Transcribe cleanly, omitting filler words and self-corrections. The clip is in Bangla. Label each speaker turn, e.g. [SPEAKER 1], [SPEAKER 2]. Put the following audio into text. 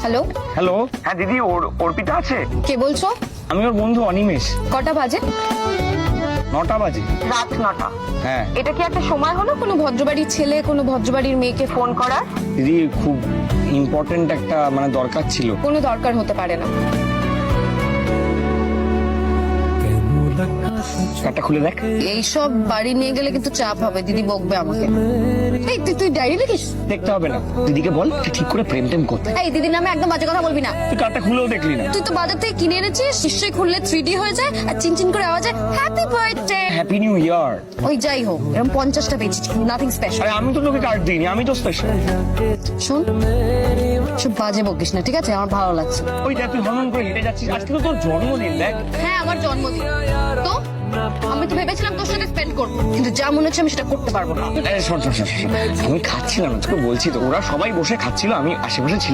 [SPEAKER 1] হ্যালো,
[SPEAKER 2] হ্যালো, হ্যাঁ দিদি, অর্পিতা আছে?
[SPEAKER 1] কে বলছো?
[SPEAKER 2] আমি ওর বন্ধু অনিমেষ।
[SPEAKER 1] কটা বাজে?
[SPEAKER 2] 9টা বাজে।
[SPEAKER 1] রাত 9টা?
[SPEAKER 2] হ্যাঁ
[SPEAKER 1] এটা কি একটা সময় হলো কোনো ভদ্রবাড়ির ছেলে কোনো ভদ্রবাড়ির মেয়েকে ফোন করার?
[SPEAKER 2] দিদি, খুব ইম্পর্টেন্ট একটা দরকার ছিল।
[SPEAKER 1] কোনো দরকার হতে পারে না।
[SPEAKER 2] কার্ডটা খুলে দেখ।
[SPEAKER 1] এইসব বাড়ি নিয়ে গেলে কিন্তু চাপ হবে, দিদি বকবে আমাকে। এই তুই ডায়েরি লিখিস?
[SPEAKER 2] দেখতে হবে না, দিদিকে বল তুই ঠিক করে প্রেম টেম করতে।
[SPEAKER 1] এই দিদির নামে একদম বাজে কথা বলবি না।
[SPEAKER 2] তুই কার্ডটা খুলেও দেখলি না।
[SPEAKER 1] তুই তো বাজার থেকে কিনে এনেছিস, নিশ্চয়ই খুললে 3D হয়ে যায় আর চিনচিন করে আওয়াজে happy birthday.
[SPEAKER 2] Happy new year.
[SPEAKER 1] ওই যাই হোক, এরকম 50টা পেয়েছিস, নাথিং স্পেশাল।
[SPEAKER 2] আরে আমি তো তোকে কার্ড দিইনি, আমি তো স্পেশাল।
[SPEAKER 1] শোন, সব বাজে বকিস না, ঠিক আছে? আমার ভালো লাগছে।
[SPEAKER 2] ওই দেখ, তুই হনন করে হেঁটে যাচ্ছিস, আজকে তো তোর জন্মদিন। দেখ,
[SPEAKER 1] হ্যাঁ, আমার জন্মদিন। তো আমি তো ভেবেছিলাম তোর সাথে স্পেন্ড করবো, কিন্তু যা মনে হচ্ছে আমি সেটা করতে পারবো না।
[SPEAKER 2] আরে শোন, আমি খাচ্ছিলাম না, তোকে বলছি তো, ওরা সবাই বসে খাচ্ছিল, আমি আশেপাশে ছিলাম।